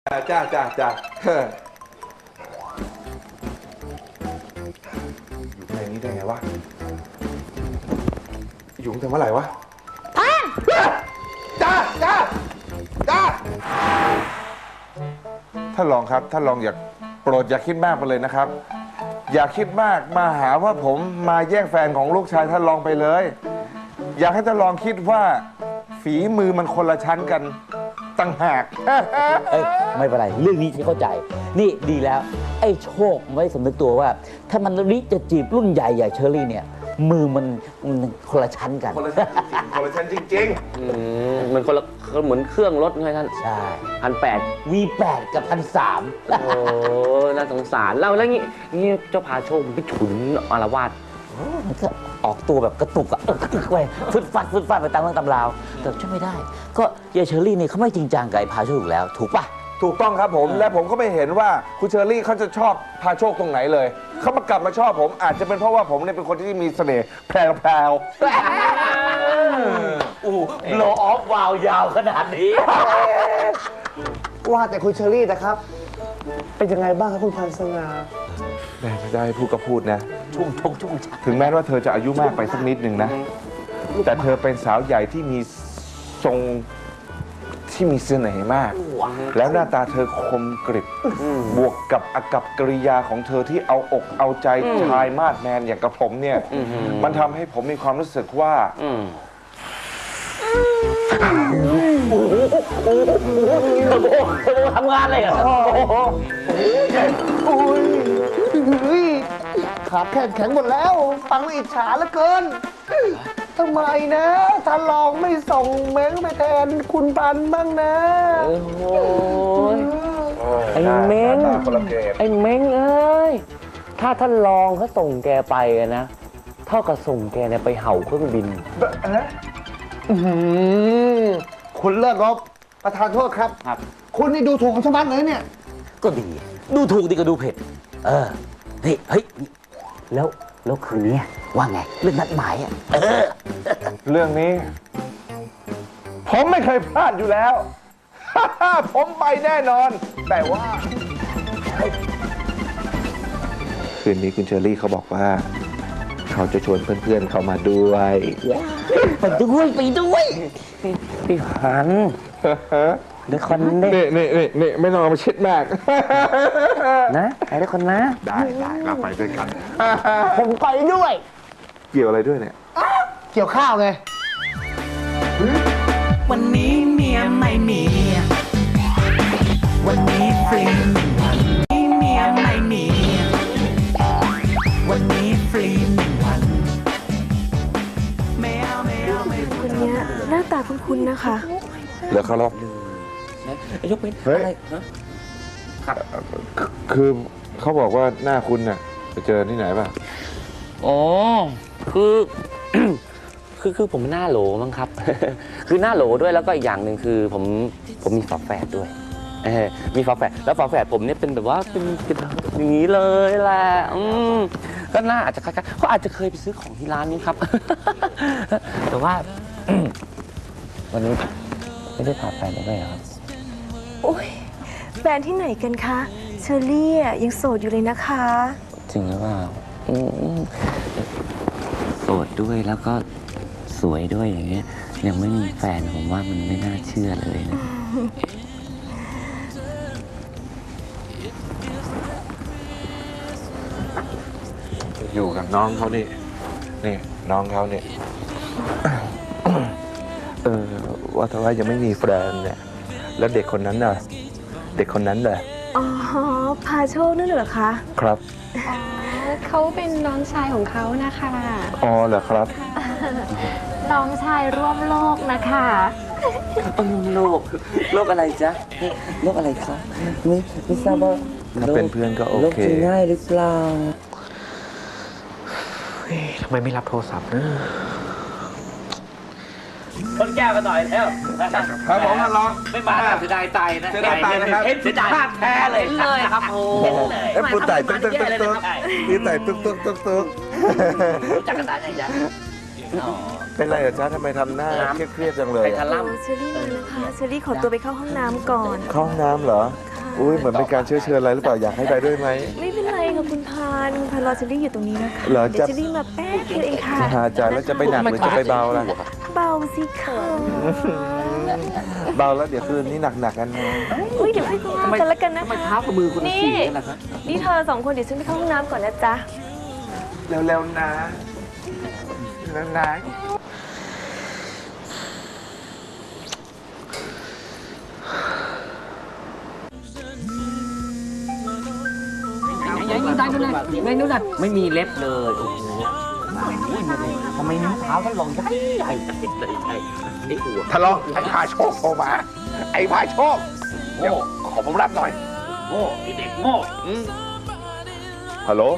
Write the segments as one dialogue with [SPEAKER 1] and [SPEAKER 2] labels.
[SPEAKER 1] จ้าอยู่ในนี้ได้ไงวะอยู่ตั้งแต่เมื่อไหร่วะจ้าท่านรองครับท่านรองอย่าโปรดอย่าคิดมากไปเลยนะครับอย่าคิดมากมาหาว่าผมมาแย่งแฟนของลูกชายท่านรองไปเลยอยากให้ท่านรองคิดว่าฝีมือมันคนละชั้นกันต่างหาก
[SPEAKER 2] ไม่เป็นไรเรื่องนี้ที่เข้าใจนี่ดีแล้วไอ้โชคไม่สำนึกตัวว่าถ้ามันริจะจีบรุ่นใหญ่เชอรี่เนี่ยมือมันคนละชั้นกัน
[SPEAKER 1] คนละชั้นจริง
[SPEAKER 3] มันคนละเหมือนเครื่องรถไงท่าน
[SPEAKER 2] ใช่
[SPEAKER 3] 1,800
[SPEAKER 2] V8 กับ1,300
[SPEAKER 3] โอ้น่าสงสารแล้วงี้เจ้าพาโชคมันไปฉุนอารวาส
[SPEAKER 2] มันก็ออกตัวแบบกระตุกอะไปฟึดฟัดไปตามเรื่องตำราวแต่ช่วยไม่ได้ก็ยายเชอรี่นี่เขาไม่จริงจังกับไอ้พาโชคอยู่แล้วถูกปะ
[SPEAKER 1] ถูกต้องครับผมและผมก็ไม่เห็นว่าคุณเชอรี่เขาจะชอบพาโชคตรงไหนเลยเขามากลับมาชอบผมอาจจะเป็นเพราะว่าผมเนี่ยเป็นคนที่มีเสน่ห์แพรว
[SPEAKER 2] โลออฟวาวยาวขนาดนี้
[SPEAKER 4] ว่าแต่คุณเชอรี่นะครับเป็นยังไงบ้างครับคุณพันสง่า
[SPEAKER 1] ไม่ได้พูดก็พูดนะ
[SPEAKER 2] ชุ่ม
[SPEAKER 1] ถึงแม้ว่าเธอจะอายุมากไปสักนิดหนึ่งนะแต่เธอเป็นสาวใหญ่ที่มีทรงที่มีเสน่ห์มากแล้วหน้าตาเธอคมกริบบวกกับอากัปกิริยาของเธอที่เอาอกเอาใจชายมาดแมนอย่างกับผมเนี่ยมันทำให้ผมมีความรู้สึกว่า
[SPEAKER 2] ทำงานอะไรอ่ะ
[SPEAKER 4] ขาแข็งหมดแล้วฟังแล้วอิจฉาเหลือเกินทำไมนะท่านรองไม่ส่งเม้งไปแทนคุณปันบ้างนะ
[SPEAKER 3] ไอ้เม้งเอ้ยถ้าท่านรองเขาส่งแกไปนะเท่ากับส่งแกเนี่ยไปเห่าเครื่องบิน
[SPEAKER 4] คุณเลิกรบประธานโทษครับคุณนี่ดูถูกของชาวบ้านเลยเนี่ย
[SPEAKER 2] ก็ดีดูถูกดีก็ดูเผ็ดนี่เฮ้ยแล้วคืนนี้ว่าไงเรื่องนัดหมาย
[SPEAKER 1] เรื่องนี้ผมไม่เคยพลาดอยู่แล้วผมไปแน่นอนแต่ว่าคืนนี้คุณเชอรี่เขาบอกว่าเขาจะชวนเพื่อนๆเขามาด้วย
[SPEAKER 2] ไปด้วย
[SPEAKER 3] พี่หันเดี๋ยวคน
[SPEAKER 1] นี่ไม่ต้องเอามาเช็ดมาก
[SPEAKER 3] นะไปด้วยคนนะ
[SPEAKER 1] ได้เราไปด้วยกัน
[SPEAKER 4] ผมไปด้วย
[SPEAKER 1] เกี่ยวอะไรด้วยเนี่ย
[SPEAKER 4] เกี่ยวข้าวไง
[SPEAKER 5] วันนี้เมียไม่มีวันนี้ฟรี1 วันเมียไม่มีวันนี้ฟรี1 วันไม่เอา
[SPEAKER 6] คนนี้หน้าตาคุ้นๆนะคะ
[SPEAKER 1] เหลือเขาหรอก
[SPEAKER 3] ยกเป็นอะไรนะครับ
[SPEAKER 1] คือเขาบอกว่าหน้าคุณน่ะไปเจอที่ไหนป่ะ
[SPEAKER 3] อ๋อคือผมหน้าโหลมั้งครับคือหน้าโหลด้วยแล้วก็อีกอย่างหนึ่งคือผมมีฝาแฝดด้วยมีฝาแฝดแล้วฝาแฝดผมเนี่ยเป็นแบบว่าเป็นอย่างนี้เลยแหละก็น่าอาจจะคล้ายๆเขาอาจจะเคยไปซื้อของที่ร้านนี้ครับแต่ว่าวันนี้ไม่ได้พาแฟนไปด้วยครับ
[SPEAKER 6] โอ้ยแฟนที่ไหนกันคะเชอรี่ยังโสดอยู่เลยนะคะ
[SPEAKER 3] จริงหรือเปล่าโสดด้วยแล้วก็สวยด้วยอย่างเงี้ยยังไม่มีแฟนผมว่ามันไม่น่าเชื่อเลยนะ
[SPEAKER 1] อยู่กับน้องเขานี่น้องเขาเนี่ยว่าแต่ว่ายังไม่มีแฟนเนี่ยแล้วเด็กคนนั้นน่ะเด็กคนนั้นเหรอ
[SPEAKER 6] อ๋อพาโชคนั่นเหรอคะ
[SPEAKER 1] ครับ
[SPEAKER 7] เขาเป็นน้องชายของเขานะคะ
[SPEAKER 1] อ๋อเหรอครับ
[SPEAKER 7] น้องชายร่วมโลกนะคะ
[SPEAKER 2] โลกอะไรจ๊ะโลกอะไรคะไม่ทราบว่า
[SPEAKER 1] ถ้าเป็นเพื่อนก็โอเค
[SPEAKER 2] โลกจะง่ายหรือเปล่า
[SPEAKER 4] ทำไมไม่รับโทรศัพท์นะ
[SPEAKER 2] คนแก้วกันหน่อยแล้ว
[SPEAKER 1] ครับผมท่านรอง
[SPEAKER 2] ไม่มาเสียดายตายนะ
[SPEAKER 1] เสียดายตายนะครับ
[SPEAKER 2] เสียดายแท้เลยครับโอ้
[SPEAKER 1] ปูไต่ตุ๊กพี่ไต่ตุ๊ก
[SPEAKER 2] รู้จักกันได้ยังจ๊ะ
[SPEAKER 1] เป็นไรเหรอจ๊ะทำไมทำหน้าเครียดจังเลย
[SPEAKER 6] เชอรี่มานะคะเชอรี่ขอตัวไปเข้าห้องน้ำก่อน
[SPEAKER 1] เข้าห้องน้ำเหรออุ้ยเหมือนเป็นการเชื้อเชิญอะไรหรือเปล่าอยากให้ไปด้วยไหม
[SPEAKER 6] ไม่เป็นไรค่ะคุณพันธุ์รอเชอรี่อยู่ตรงนี้นะคะ
[SPEAKER 1] เหรอ
[SPEAKER 6] เดี๋ยวเชอรี่มาแป๊บเดียวเองค่ะ
[SPEAKER 1] หาใจแล้วจะไปหนักหรือจะไปเบาล่ะ
[SPEAKER 6] เบาสิคะ
[SPEAKER 1] เบาแล้วเดี๋ยวคืนนี้หนักกันนะ
[SPEAKER 6] อุ้ยเดี๋ยวให้คุณกันแล้วกันนะคะ
[SPEAKER 3] เท้ากับมือคนละ
[SPEAKER 6] นี่
[SPEAKER 3] สีกันนะครับ
[SPEAKER 6] นี่เธอสองคนเดี๋ยวฉันไปเข้าห้องน้ำก่อนนะจ๊ะ
[SPEAKER 1] เร็วๆนะแล้วนะ
[SPEAKER 3] ไม่มีเล็บเลย โอ้โหทำไมนิ้วเท้าท่านลองใหญ่ใหญ่เลยใช่ไอ้หัว
[SPEAKER 4] ทะเลาะไอ้พาโชคโทรมา ไอ้พาโชค เดี๋ยวขอผมรับหน่อย
[SPEAKER 3] โง่ไอ้เด็กโง่
[SPEAKER 1] ฮัลโหล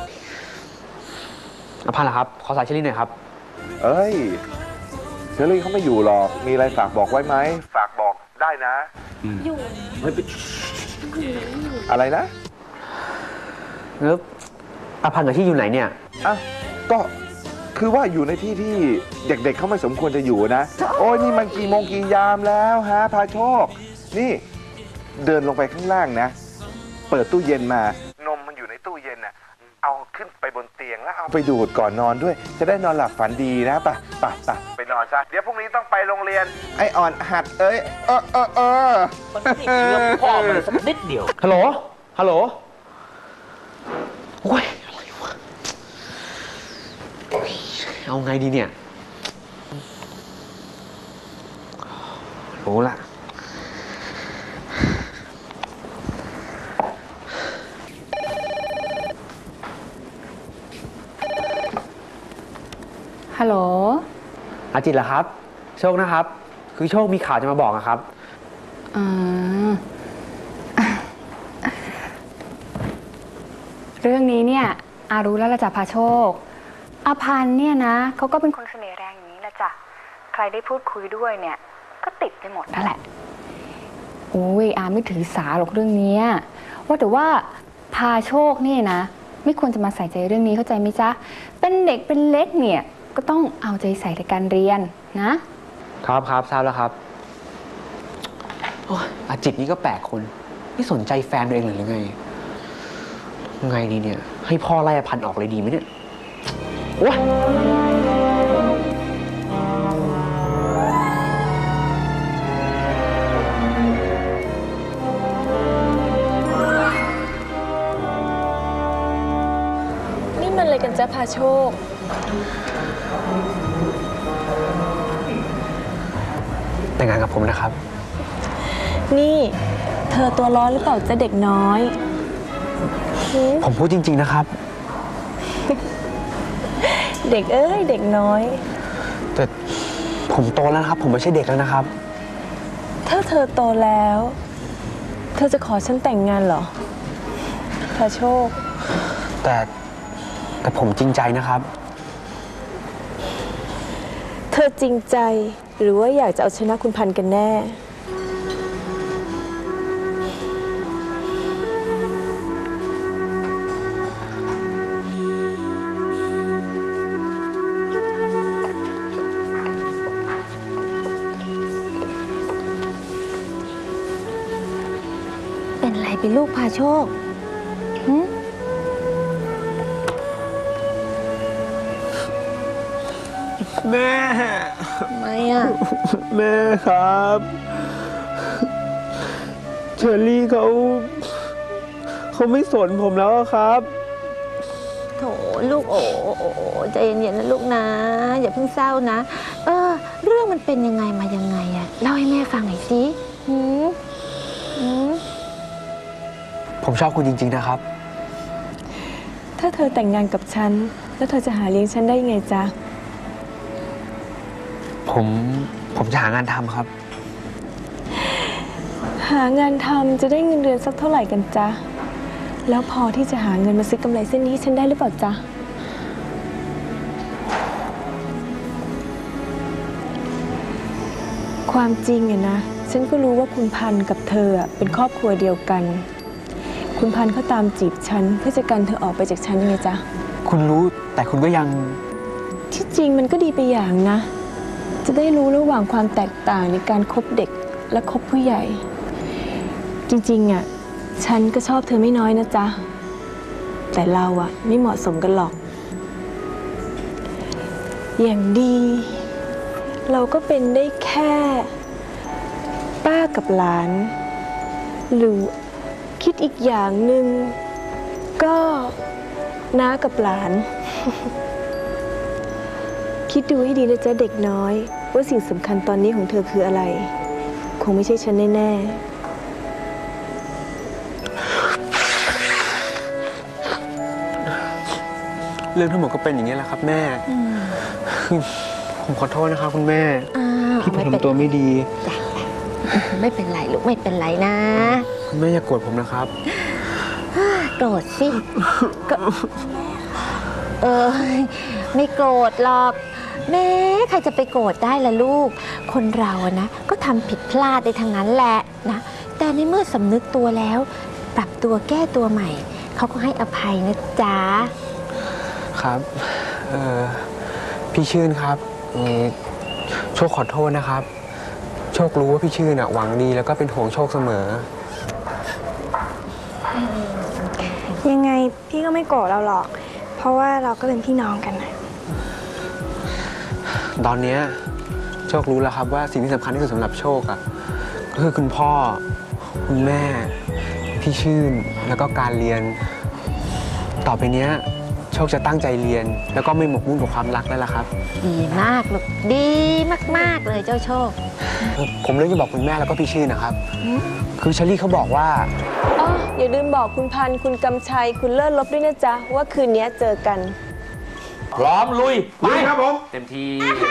[SPEAKER 8] อภันเหรอครับ ขอสายเชอรี่หน่อยครับ
[SPEAKER 1] เอ้ยเชอรี่เขาไม่อยู่หรอก มีอะไรฝากบอกไว้ไหม ฝากบอกได้นะ
[SPEAKER 6] อยู่
[SPEAKER 3] เฮ้ยไป
[SPEAKER 1] อะไรนะ
[SPEAKER 8] แล้วอภันกับที่อยู่ไหนเนี่ย
[SPEAKER 1] อ่ะก็คือว่าอยู่ในที่ที่เด็กๆเขาไม่สมควรจะอยู่นะ โอ้ยนี่มันกี่โมงกี่ยามแล้วฮะพาโชค นี่เดินลงไปข้างล่างนะ เปิดตู้เย็นมา นมมันอยู่ในตู้เย็นน่ะ เอาขึ้นไปบนเตียงแล้วเอาไปดูดก่อนนอนด้วย จะได้นอนหลับฝันดีนะไปนอนซะ เดี๋ยวพรุ่งนี้ต้องไปโรงเรียน ไอ้อ่อนหัดเอ้ย
[SPEAKER 3] มันไม่ได้เชื่อพ่อมันเลยสักนิดเดียว
[SPEAKER 8] ฮัลโหล ฮัลโหล โอ้ย อะไรวะโอ้ยเอาไงดีเนี่ย รู้ละ
[SPEAKER 7] ฮัลโหล
[SPEAKER 8] อาจิตเหรอครับ โชคนะครับ คือโชคมีข่าวจะมาบอกอะครับ
[SPEAKER 7] อ่า เรื่องนี้เนี่ยอารู้แล้วละจ้ะพาโชคอาพันธ์เนี่ยนะเขาก็เป็นคนเสน่ห์แรงอย่างนี้แหละจ้ะใครได้พูดคุยด้วยเนี่ยก็ติดไปหมดนั่นแหละโอ้ยอาไม่ถือสาหรอกเรื่องนี้ว่าแต่ว่าพาโชคเนี่ยนะไม่ควรจะมาใส่ใจเรื่องนี้เข้าใจไหมจ๊ะเป็นเด็กเป็นเล็กเนี่ยก็ต้องเอาใจใส่ในการเรียนนะครับ
[SPEAKER 8] ทราบแล้วครับโอ้ยอาจิตนี่ก็แปลกคน ไม่สนใจแฟนตัวเองเลยหรือไง ไงดีเนี่ย ให้พ่อไล่อภันออกเลยดีไหมเนี่ยโอ้ย
[SPEAKER 6] นี่มันอะไรกันจ๊ะพาโชค
[SPEAKER 8] แต่งงานกับผมนะครับ
[SPEAKER 6] นี่เธอตัวร้อนหรือเปล่าจ๊ะเด็กน้อยหืม
[SPEAKER 8] ผมพูดจริง ๆนะครับ
[SPEAKER 6] เด็กเอ้ยเด็กน้อย
[SPEAKER 8] แต่ผมโตแล้วนะครับ ผมไม่ใช่เด็กแล้วนะครับ
[SPEAKER 6] ถ้าเธอโตแล้ว เธอจะขอฉันแต่งงานเหรอพาโชค
[SPEAKER 8] แต่ผมจริงใจนะครับ
[SPEAKER 6] เธอจริงใจหรือว่าอยากจะเอาชนะคุณพันธุ์กันแน่
[SPEAKER 9] เป็นไรเป็นลูกพาโชคหึ
[SPEAKER 8] แม่
[SPEAKER 9] ทำไมอ่ะ
[SPEAKER 8] แม่ครับ เชอรี่เขาไม่สนผมแล้วอะครับ
[SPEAKER 9] โถลูกโอ้ใจเย็นๆนะลูกนะ อย่าเพิ่งเศร้านะ เรื่องมันเป็นยังไงมายังไงอะเล่าให้แม่ฟังหน่อยสิหืมหืม
[SPEAKER 8] ผมชอบคุณจริง ๆ นะครับ
[SPEAKER 6] ถ้าเธอแต่งงานกับฉัน แล้วเธอจะหาเลี้ยงฉันได้ยังไงจ๊ะ
[SPEAKER 8] ผมจะหางานทำครับ
[SPEAKER 6] หางานทำจะได้เงินเดือนสักเท่าไหร่กันจ๊ะ แล้วพอที่จะหาเงินมาซื้อกำไรเส้นนี้ให้ฉันได้หรือเปล่าจ๊ะ ความจริงอะนะ ฉันก็รู้ว่าคุณพันธุ์กับเธออะเป็นครอบครัวเดียวกัน คุณพันธุ์เขาตามจีบฉันเพื่อจะกันเธอออกไปจากฉันไงจ๊ะ
[SPEAKER 8] คุณรู้แต่คุณก็ยัง
[SPEAKER 6] ที่จริงมันก็ดีไปอย่างนะ จะได้รู้ระหว่างความแตกต่างในการคบเด็กและคบผู้ใหญ่ จริงๆอ่ะฉันก็ชอบเธอไม่น้อยนะจ๊ะ แต่เราอะไม่เหมาะสมกันหรอก อย่างดี เราก็เป็นได้แค่ป้ากับหลาน หรือคิดอีกอย่างหนึ่งก็น้ากับหลาน คิดดูให้ดีนะจ๊ะเด็กน้อย ว่าสิ่งสำคัญตอนนี้ของเธอคืออะไร คงไม่ใช่ฉันแน่ๆ
[SPEAKER 8] เรื่องทั้งหมดก็เป็นอย่างนี้แหละครับแม่คือผมขอโทษนะครับคุณแม่
[SPEAKER 9] อ้าว
[SPEAKER 8] ที่ผม
[SPEAKER 9] ไม่เป็น
[SPEAKER 8] ทำตัวไม่ดี
[SPEAKER 9] ไม่เป็นไรลูกไม่เป็นไรนะ
[SPEAKER 8] คุณแม่อย่าโกรธผมนะครับ
[SPEAKER 9] โกรธสิก็ไม่โกรธหรอกแม้ใครจะไปโกรธได้ล่ะลูก คนเราอะนะก็ทำผิดพลาดได้ทั้งนั้นแหละนะแต่ในเมื่อสำนึกตัวแล้ว ปรับตัวแก้ตัวใหม่เขาก็ให้อภัยนะจ๊ะ
[SPEAKER 8] ครับพี่ชื่นครับโชคขอโทษนะครับ โชครู้ว่าพี่ชื่นหวังดีแล้วก็เป็นห่วงโชคเสมอ
[SPEAKER 10] ยังไงพี่ก็ไม่โกรธเราหรอก เพราะว่าเราก็เป็นพี่น้องกันนะ
[SPEAKER 8] ตอนเนี้ยโชครู้แล้วครับว่าสิ่งที่สำคัญที่สุดสำหรับโชคก็คือคุณพ่อ คุณแม่ พี่ชื่นแล้วก็การเรียน ต่อไปเนี้ยโชคจะตั้งใจเรียน แล้วก็ไม่หมกมุ่นกับความรักแล้วล่ะครับ
[SPEAKER 9] ดีมากลูกดีมากๆเลยเจ้าโชค
[SPEAKER 8] ผมเรื่องจะบอกคุณแม่แล้วก็พี่ชื่นนะครับ คือเชอรี่เขาบอกว่า
[SPEAKER 6] อ๋ออย่าลืมบอกคุณพันธุ์คุณกำชัย คุณเลิศลบด้วยนะจ๊ะ ว่าคืนนี้เจอกัน
[SPEAKER 3] พร้อมลุย
[SPEAKER 1] ลุยครับผม
[SPEAKER 3] เต็มที่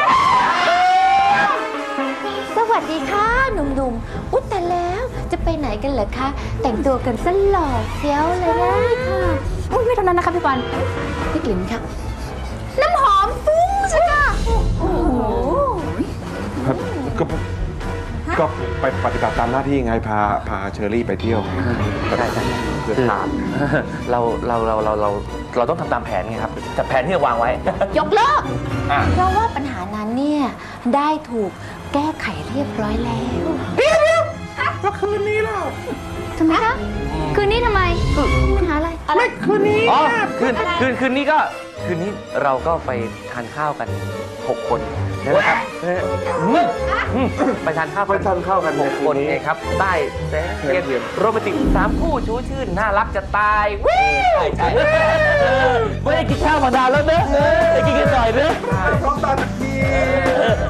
[SPEAKER 9] สวัสดีค่ะหนุ่มๆอุ๊ยแต่แล้วจะไปไหนกันเหรอคะ แต่งตัวกันซะหล่อเฟี้ยวเลยนะค่ะอุ๊ยไม่เท่านั้นนะคะพี่ปันพี่กลิ่นค่ะ น้ำหอมฟุ้งใช่ไหมโอ้โห
[SPEAKER 1] ก็ไปปฏิบัติตามหน้าที่ไงพาเชอรี่ไปเที่ยวไง
[SPEAKER 3] ใช่ใช่
[SPEAKER 1] เพื่อทาน
[SPEAKER 3] เราต้องทำตามแผนไงครับแต่แผนที่เราวางไว้
[SPEAKER 9] ยกเลิก
[SPEAKER 3] อ่ะ
[SPEAKER 9] เพราะว่าปัญหานั้นเนี่ยได้ถูกแก้ไขเรียบร้อยแล้วแล้วคืนนี้ล่ะทำไมคะคืนนี้ทำไมมีปัญหาอะไรไม่คืนนี้
[SPEAKER 3] อ๋อคืนนี้เราก็ไปทานข้าวกัน 6 คนนะครับไปทานข้าวกัน6 คนเองครับใต้แสงเทียนโรแมนติก3 คู่ชูชื่นน่ารักจะตายใช่ไม่ได้กินข้าวมานานแล้วเนอะได้กินกันหน่อยเนอะ
[SPEAKER 1] พร้อมตาตะกี้